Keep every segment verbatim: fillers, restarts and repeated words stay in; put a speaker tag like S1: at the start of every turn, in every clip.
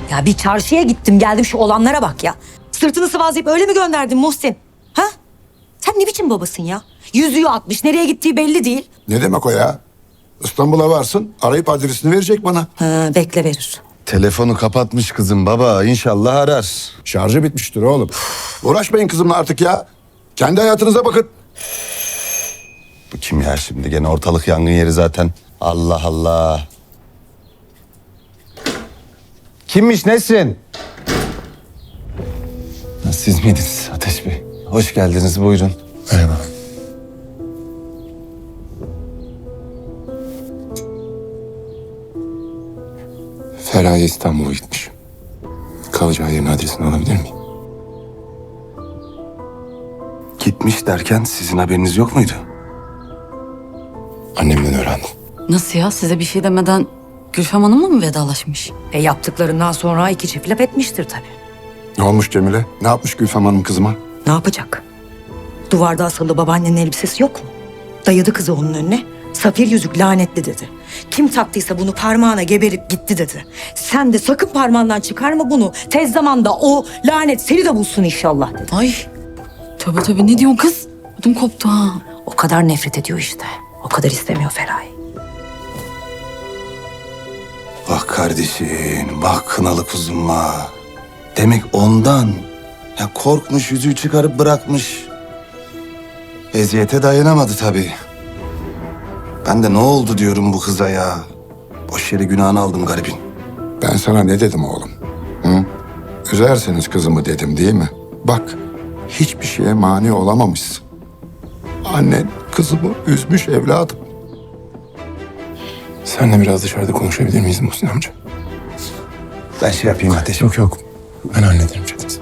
S1: Ya bir çarşıya gittim geldim şu olanlara bak ya. Sırtını sıvazlayıp öyle mi gönderdin Muhsin? Ha? Sen ne biçim babasın ya? Yüzüğü atmış, nereye gittiği belli değil.
S2: Ne demek o ya? İstanbul'a varsın, arayıp adresini verecek bana.
S1: Ha, bekle verir.
S3: Telefonu kapatmış kızım baba. İnşallah arar.
S2: Şarjı bitmiştir oğlum. Uğraşmayın kızımla artık ya. Kendi hayatınıza bakın.
S3: Bu kim ya şimdi? Gene ortalık yangın yeri zaten. Allah Allah. Kimmiş Nesrin? Ha, siz miydiniz Ateş Bey? Hoş geldiniz, buyurun.
S2: Merhaba.
S4: Feraye İstanbul'a gitmiş. Kalacağı yerin adresini alabilir miyim?
S3: Gitmiş derken sizin haberiniz yok muydu?
S4: Annemden öğrendim.
S5: Nasıl ya? Size bir şey demeden Gülfem Hanım'la mı vedalaşmış?
S1: E yaptıklarından sonra iki çift laf etmiştir tabii.
S2: Ne olmuş Cemile? Ne yapmış Gülfem Hanım kızıma?
S1: Ne yapacak? Duvarda asılı babaannenin elbisesi yok mu? Dayadı kızı onun önüne. Safir yüzük lanetli dedi. Kim taktıysa bunu parmağına geberip gitti dedi. Sen de sakın parmağından çıkarma bunu. Tez zamanda o lanet seni de bulsun inşallah dedi.
S5: Ay tövbe tövbe ne diyorsun kız? Ödüm koptu ha.
S1: O kadar nefret ediyor işte. O kadar istemiyor Feraye.
S3: Bak kardeşim, bak kınalı kuzum ha. Demek ondan. Ya korkmuş, yüzüğü çıkarıp bırakmış. Eziyete dayanamadı tabii. Ben de ne oldu diyorum bu kıza ya. Boş yere günahını aldım garibin.
S2: Ben sana ne dedim oğlum? Hı? Üzerseniz kızımı dedim değil mi? Bak, hiçbir şeye mani olamamışsın. Annen kızımı üzmüş evladım.
S4: Seninle biraz dışarıda konuşabilir miyiz Muhsin amca?
S3: Ben şey yapayım Ateş.
S4: Yok yok. Ben hallederim Çetin.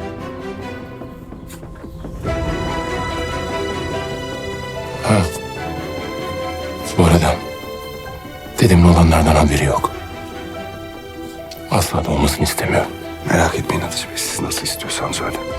S4: Ha. Bu arada dedemin olanlardan haberi yok. Asla da olmasını istemiyorum.
S3: Merak etmeyin Ateş Bey, siz nasıl istiyorsanız öyle.